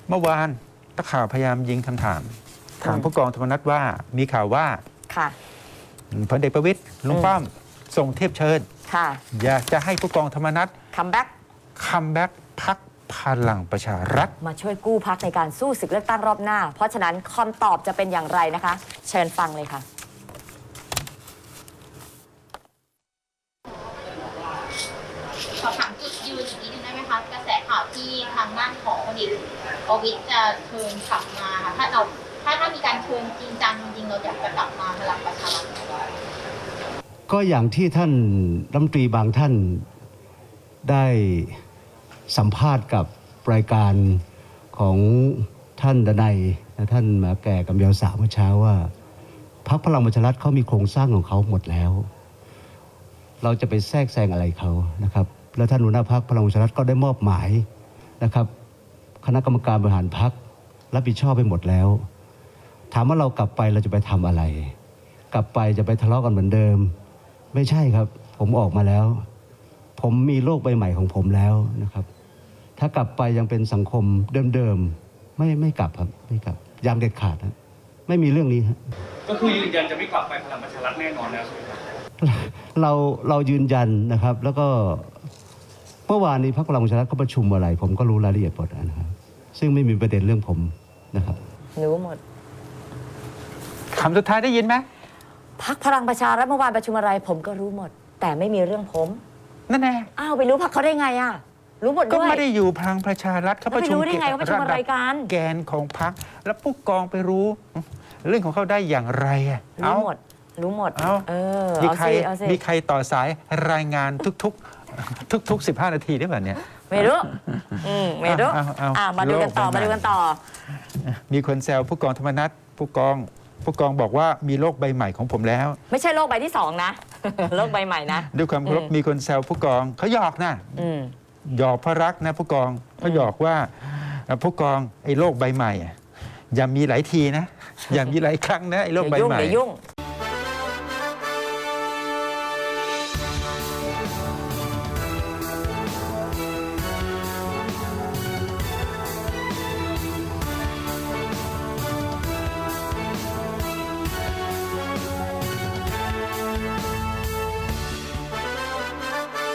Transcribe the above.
เมื่อวานนักข่าวพยายามยิงคำถามผู้กองธรรมนัฐว่ามีข่าวว่าค่ะพลเอกประวิตรลุงป้อมส่งเทียบเชิญค่ะอยากจะให้ผู้กองธรรมนัฐคัมแบ็กพรรคพลังประชารัฐมาช่วยกู้พรรคในการสู้ศึกเลือกตั้งรอบหน้าเพราะฉะนั้นคำตอบจะเป็นอย่างไรนะคะ เชิญฟังเลยค่ะขอถามจุดยืนอีกนิดนึงได้ไหมคะกระแสข่าวที่ทางด้านของพลเอกประวิตรจะเชิญกลับมาค่ะถ้ามีการเชิญจริงจังจริงเราอยากจะกลับมาพลังประชารัฐก็อย่างที่ท่านรัฐมนตรีบางท่านได้สัมภาษณ์กับรายการของท่านดนัยและท่านหมาแก่กำยาวสาวเมื่อเช้าว่าพรรคพลังประชารัฐเขามีโครงสร้างของเขาหมดแล้วเราจะไปแทรกแซงอะไรเขานะครับแล้วท่านหัวหน้าพรรคพลังประชารัฐก็ได้มอบหมายนะครับคณะกรรมการบริหารพรรครับผิดชอบไปหมดแล้วถามว่าเรากลับไปเราจะไปทำอะไรกลับไปจะไปทะเลาะกันเหมือนเดิมไม่ใช่ครับผมออกมาแล้วผมมีโลกใบใหม่ของผมแล้วนะครับถ้ากลับไปยังเป็นสังคมเดิมๆไม่กลับครับไม่กลับยามเด็ดขาดนะไม่มีเรื่องนี้ครับก็คือยืนยันจะไม่กลับไปพลังประชารัฐแน่นอนแล้วใช่ไหมครับเรายืนยันนะครับแล้วก็เมื่อวานนี้พรรคพลังประชารัฐเขาประชุมอะไรผมก็รู้รายละเอียดหมดนะครับซึ่งไม่มีประเด็นเรื่องผมนะครับรู้หมดคำสุดท้ายได้ยินไหมพรรคพลังประชารัฐเมื่อวานประชุมอะไรผมก็รู้หมดแต่ไม่มีเรื่องผมนั่นแน่อ้าวไปรู้พรรคเขาได้ไงอ่ะรู้หมดด้วยก็ไม่ได้อยู่พลังประชารัฐเขาประชุมได้ไงว่าประชุมอะไรกันแกนของพรรคแล้วผู้กองไปรู้เรื่องของเขาได้อย่างไรอ่ะรู้หมดมีใครต่อสายรายงานทุก15 นาทีได้แบบเนี้ยไม่รู้มาดูกันต่อมีคนแซวผู้กองธรรมนัฐผู้กองบอกว่ามีโลกใบใหม่ของผมแล้วไม่ใช่โลกใบที่2นะโลกใบใหม่นะด้วยความเคารพมีคนแซวผู้กองเขาหยอกนะหยอกพระรักนะผู้กองเขาหยอกว่าผู้กองไอ้โลกใบใหม่อย่ามีหลายทีนะอย่ามีหลายครั้งนะไอ้โลกใบใหม่อย่ายุ่ง